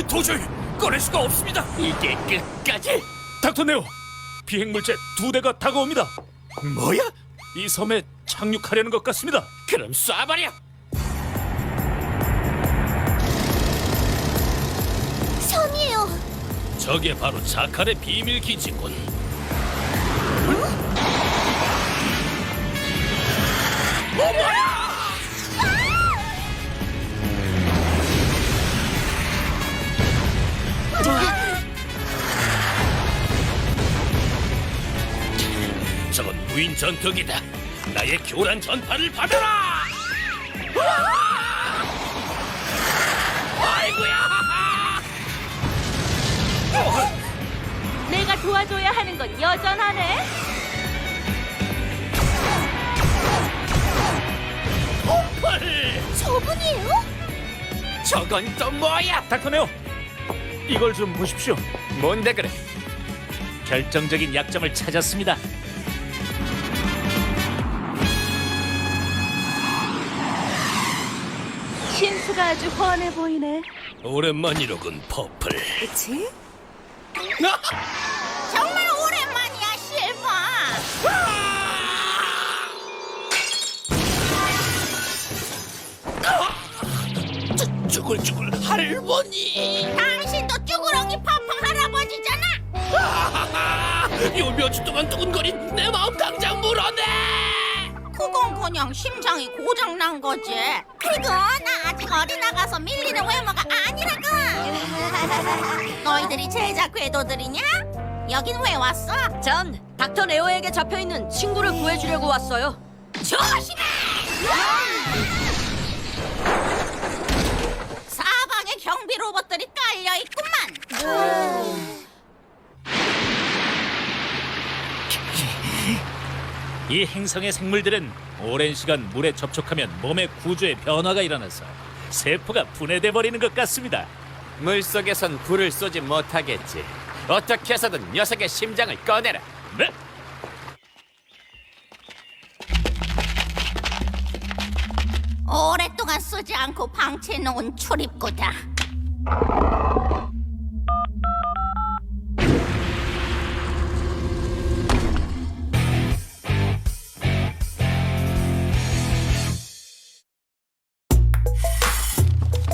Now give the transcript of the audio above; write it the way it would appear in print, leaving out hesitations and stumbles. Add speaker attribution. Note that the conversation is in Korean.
Speaker 1: 도저히 꺼낼 수가 없습니다.
Speaker 2: 이게 끝까지?
Speaker 1: 닥터 네오, 비행물체 2대가 다가옵니다.
Speaker 2: 뭐야?
Speaker 1: 이 섬에 착륙하려는 것 같습니다.
Speaker 2: 그럼 쏴버려!
Speaker 3: 섬이에요.
Speaker 2: 저게 바로 자칼의 비밀 기지군. 저건 무인 전투기다. 나의 교란 전파를 받아라! 아이고야!
Speaker 3: 내가 도와줘야 하는 건 여전하네.
Speaker 2: 폭발!
Speaker 3: 저분이에요?
Speaker 2: 저건 또 뭐야?
Speaker 1: 닥터 네오, 이걸 좀 보십시오.
Speaker 2: 뭔데 그래?
Speaker 1: 결정적인 약점을 찾았습니다.
Speaker 3: 신수가 아주 훤해 보이네.
Speaker 2: 오랜만이로군, 퍼플.
Speaker 3: 그치?
Speaker 2: 아!
Speaker 3: 정말 오랜만이야, 실버.
Speaker 2: 쭈글쭈글 할머니.
Speaker 3: 당신도 쭈구렁이 파파 할아버지잖아.
Speaker 2: 요 며칠 동안 두근거린 내 마음 당장 물어내.
Speaker 3: 그건 그냥 심장이 고장난 거지. 그건 아직 어디 나가서 밀리는 외모가 아니라고. 너희들이 제작 궤도들이냐? 여긴 왜 왔어?
Speaker 4: 전 닥터 레오에게 잡혀있는 친구를 구해주려고 왔어요.
Speaker 3: 조심해! 사방에 경비 로봇들이 깔려 있구만.
Speaker 1: 이 행성의 생물들은 오랜 시간 물에 접촉하면 몸의 구조에 변화가 일어나서 세포가 분해돼 버리는 것 같습니다.
Speaker 2: 물속에선 불을 쏘지 못하겠지. 어떻게 해서든 녀석의 심장을 꺼내라.
Speaker 1: 네.
Speaker 3: 오랫동안 쓰지 않고 방치해놓은 출입구다.